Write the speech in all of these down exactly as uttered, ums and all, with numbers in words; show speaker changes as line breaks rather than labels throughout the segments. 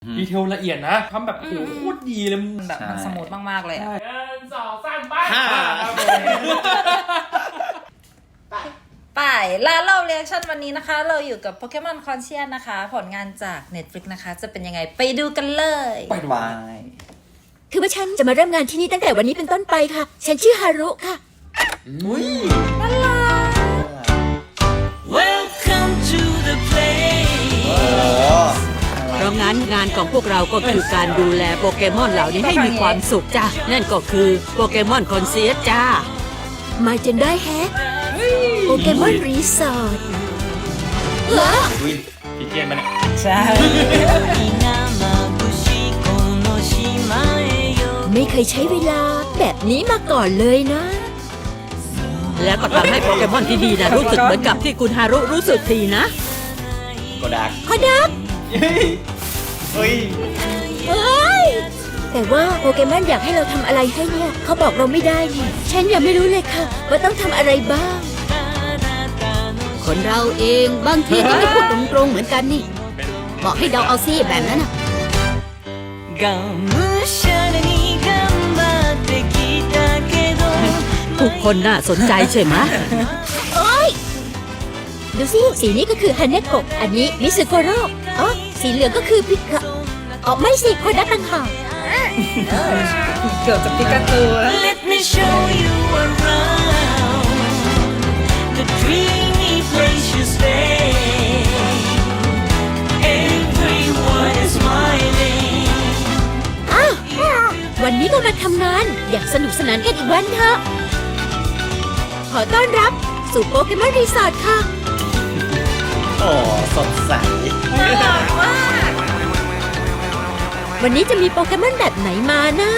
ดีเทลละเอียดนะทำแบบโหโคตรดีเลย
แบบมันสมูทมากๆเลยอ่ะ
หนึ่งสองสามไป
ไปแล้วเราเรียกชั่นวันนี้นะคะเราอยู่กับ Pokemon Conscious นะคะผลงานจาก Netflix นะคะจะเป็นยังไงไปดูกันเลย
ไปดู
คือว่าฉันจะมาเริ่มงานที่นี่ตั้งแต่วันนี้เป็นต้นไปค่ะฉันชื่อฮารุค่ะ
อุ้ย
น่ารัก
Welcome to the place
เพราะงั้นงานของพวกเราก็คือการดูแลโปเกมอนเหล่านี้ให้มีความสุขจ้ะนั่นก็คือโปเกมอนคอนเซียสจ้ามาจนได้แฮะโปเกมอนรีสอร์ทเหรอ
อุ้ยพี่เทียนมาเนี่ย
ใช่
ไม่เคยใช้เวลาแบบนี้มาก่อนเลยนะแล้วก็ทำให้โปเกมอนที่ดีนะรู้สึกเหมือนกับที่คุณฮารุรู้สึกทีนะ
โกดัก
โกดัก
เฮ้ย
เฮ้ยแต่ว่าโปเกมอนอยากให้เราทำอะไรให้เนี่ยเขาบอกเราไม่ได้นี่ฉันยังไม่รู้เลยค่ะว่าต้องทำอะไรบ้างคนเราเองบางทีก็ไม่พูดตรงๆเหมือนกันนี่บอกให้เดาเอาซิแบบนั้นน่ะทุกคนน่าสนใจใช่ไหมโอ้ยดูสิสีนี้ก็คือฮันเนโกะอันนี้มิสึโกโร่อ๋อสีเหลืองก็คือพิกะอ๋อไม่สิโคดักต่างหาก
เกือบจะปิกาจูแล้ว
Let me show you around the dreamy place you stay Everyone is smiling
อ้าววันนี้ก็มาทำงานอยากสนุกสนานกันอีกวันเถอะขอต้อนรับสู่โปเกมอนรีสอร์ทค่ะ
โอ้สดใส
น่ารักมาก
วันนี้จะมีโปเกมอนแบบไหนมานะ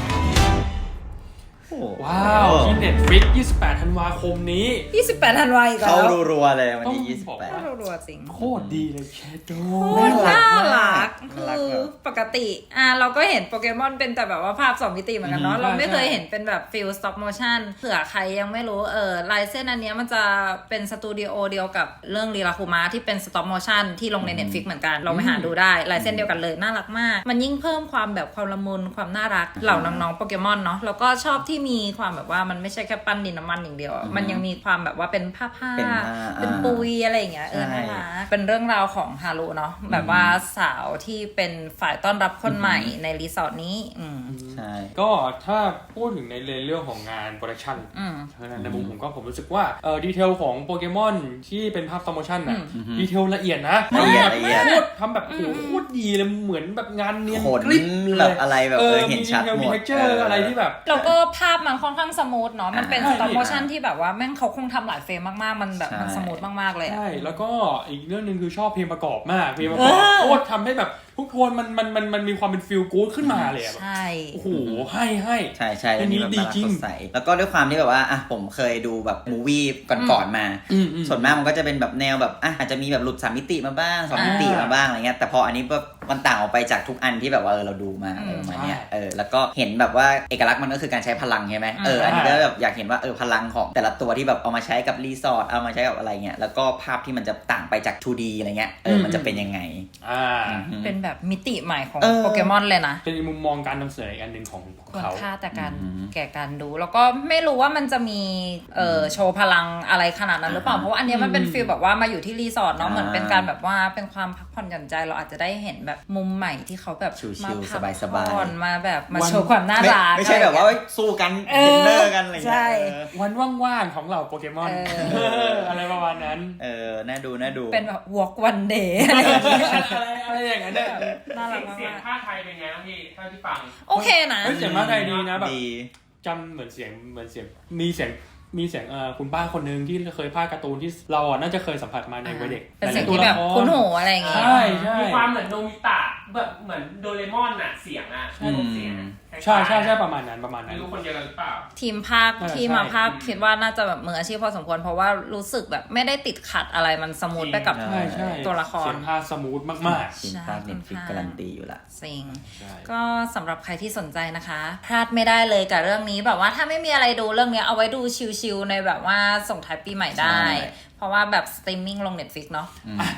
ว้าวที่ Netflix ยี่สิบแปดธันวาคมนี้
ยี่สิบแปดธันวาอีกแล้ว
เข้ารัวๆเลยวันที่ยี่สิบแปด
เข้ารัวๆจริง
โคตรดีเลยแชโด
โคตรน่ารักคือปกติอ่ะเราก็เห็นโปเกมอนเป็นแต่แบบว่าภาพสองมิติเหมือนกันเนาะเราไม่เคยเห็นเป็นแบบฟิลสต็อปโมชั่นเผื่อใครยังไม่รู้เออลายเส้นอันนี้มันจะเป็นสตูดิโอเดียวกับเรื่องรีราคุมะที่เป็นสต็อปโมชั่นที่ลงใน Netflix เหมือนกันเราไปหาดูได้ลายเส้นเดียวกันเลยน่ารักมากมันยิ่งเพิ่มความแบบความละมุนความน่ารักเหล่าน้องๆโปเกมอนเนาะแล้วก็ชอบที่มีความแบบว่ามันไม่ใช่แค่ปั้นดินน้ำมันอย่างเดียวมันยังมีความแบบว่าเป็นผ้าผ้าเป็นปุยอะไรอย่างเงี้ยเออน่ารักเป็นเรื่องราวของฮารุเนาะแบบว่าสาวที่เป็นฝ่ายต้อนรับคนใหม่ในรีสอร์ทนี้อืม
ใช่
ก็ถ้าพูดถึงในเรื่องของงานโปรดักชั่นในมุมผมก็ผมรู้สึกว่าเออดีเทลของโปเกมอนที่เป็นภาพสโมชั่นน่ะดีเทลละเอียดนะ
ละเอียดละเอียด
ทำแบบโหโคตรดีเลยเหมือนแบบงานเนียน
กริบแบบอะไรแบบเออเห็นชัดหมดมีเทคเจอร์
อะไรที่แบบ
แล้วก็ภาพมันค่อนข้างสมูทเนาะมันเป็นสต็อปโมชั่นที่แบบว่าแม่งเขาคงทำหลายเฟรมมากๆมันแบบมันสมูทมากๆเลย
ใช่แล้วก็อีกเรื่องนึงคือชอบเพลงประกอบมากเพลงประกอบโคตรทำให้แบบทุกโทนมันมันมันมันมีความเป็นฟีลกู๊ดขึ้นมาเลย
ใช่
โอ้โหให้ให้
ใช่ใช่อันนี้ดีจริงแล้วก็ด้วยความที่แบบว่าอ่ะผมเคยดูแบบมูวี่ก่อนๆมาส่วนมากมันก็จะเป็นแบบแนวแบบอ่ะอาจจะมีแบบหลุดสามมิติมาบ้างสองมิติมาบ้างอะไรเงี้ยแต่พออันนี้แบบมันต่างออกไปจากทุกอันที่แบบว่าเออเราดูมาอะไรประมาณเนี้ยเออแล้วก็เห็นแบบว่าเอกลักษณ์มันก็คือการใช้พลังใช่ไหมเอออันนี้ก็แบบอยากเห็นว่าเออพลังของแต่ละตัวที่แบบเอามาใช้กับรีสอร์ทเอามาใช้กับอะไรเงี้ยแล้วก็ภาพที่มันจะต่างไปจาก ทู ดี อะไรเงี้ยเออมันจะเป็นยังไง
อ่า
เป็นแบบมิติใหม่ของโปเกมอนเลยนะ
เป็นมุมมองการนำเสนออีกอันหนึ่งของเขา
ค่าแต่การแก่การดูแล้วก็ไม่รู้ว่ามันจะมีเอ่อโชว์พลังอะไรขนาดนั้นหรือเปล่าเพราะว่าอันนี้มันเป็นฟีลแบบว่ามาอยู่ที่รีสอร์ทเนาะเหมือนเป็นการแบบว่าเป็นความพักผ่อนหย่อนใจเราอาจจะได้เห็นแบบมุมใหม่ที่เขาแบบ
มาพัก
ผ่อนมาแบบมาโชว์ความน่ารัก
ไม่ใช่แบบว่าสู้กันเทรนเนอร์กันอะไรอย่างเงี้ย
วันว่างๆของเราโปเกมอนอะไรประมาณนั้น
เออน่าดูน่าดู
เป็นแบบ walk one day
อะไรอย่างเงี้ย
น่ารักมาก
เสียงภาคไทยเป็นไงบ้างพี่เท่าที่ฟัง
โอเคนะ
เสียงภาคไทยดีนะแบบจำเหมือนเสียงเหมือนเสียงมีเสียงมีเสียงเอ่อคุณป้าคนนึงที่เคยพากย์การ์ตูนที่เราอ่ะน่าจะเคยสัมผัสมาในวัยเด็ก
เป็นเสียงที่แบบคุ้นหูอะไรอย่างเงี้ย
ใช่ใช่
มีความเหมือนโนมิตะแบบเหมือนโดเรมอนน่ะเสียงอ่ะใช่เสียง
ใช่ใช่ใช่ประมาณนั้นประมาณนั้น
ไม่รู้คนเดียวกันหรือเปล่า
ทีมภาคที่มาภาคคิดว่าน่าจะแบบมืออาชีพพอสมควรเพราะว่ารู้สึกแบบไม่ได้ติดขัดอะไรมันสมูทไปกับตัวละคร
เสียงภาคสมูทมาก
ๆทีมภาค Netflix การันตีอยู่ละ
สิ่งก็สำหรับใครที่สนใจนะคะพลาดไม่ได้เลยกับเรื่องนี้แบบว่าถ้าไม่มีอะไรดูเรื่องนี้เอาไว้ดูชิลๆในแบบว่าส่งท้ายปีใหม่ได้เพราะว่าแบบสตรีมมิ่งลง Netflix เนาะ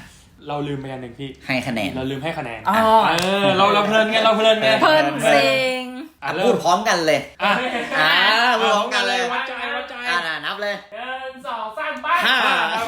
เราลืมไปอันหนึ่งพี่
ให้คะแนน
เราลืมให้คะแนน
อ๋อ
เออเราเราเพลินไงเราเพลินไง
เพิ่นซิง
อ่ะ
พู
เริ่
ด
ม
พร้อมกันเลย
อ่ะ
อ่าพูดพร้อมกันเลย
วัดใจวัดใจ
อ่าน่ะนับเลย
หนึ่งสองสามไป
ห้า
ครับผม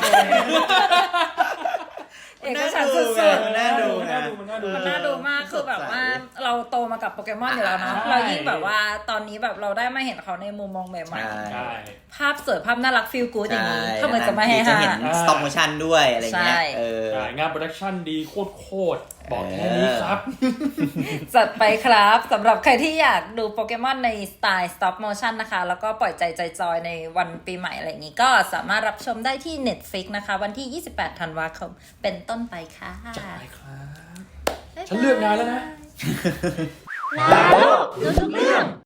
เอกฉันท์สุด
มันน่าดู
มันน่าดูมันน่าดู
ๆมันน่าดูมากคือแบบว่าเราโตมากับโปเกมอนอยู่แล้วเนาะ
ใช่
เรายิ่งแบบว่าตอนนี้แบบเราได้มาเห็นเขาในมุมมองใหม่
ใช่
ใช่
ๆภาพสวยภาพน่ารักฟีลกู๊ดอย่างนี้
ใช่
ทำไมจะไม่ให้
จะ
ห้า
เห็น stop motion ด้วยอะไรเงี้ย
ใช่
เออ
ใช่งานโปรดักชั่นดีโคตรโคตรบอกแค่นี้ครับ
จัดไปครับสำหรับใครที่อยากดูโปเกมอนในสไตล์ stop motion นะคะ แล้วก็ปล่อยใจใจจอยในวันปีใหม่อะไรอย่างนี้ ก็สามารถรับชมได้ที่ Netflix นะคะ วันที่ ยี่สิบแปด ธันวาคมเป็นต้นไปค่ะ
จัดไปครับ ฉันเลือกงานแล้วนะ
รู้ทุกเรื่อง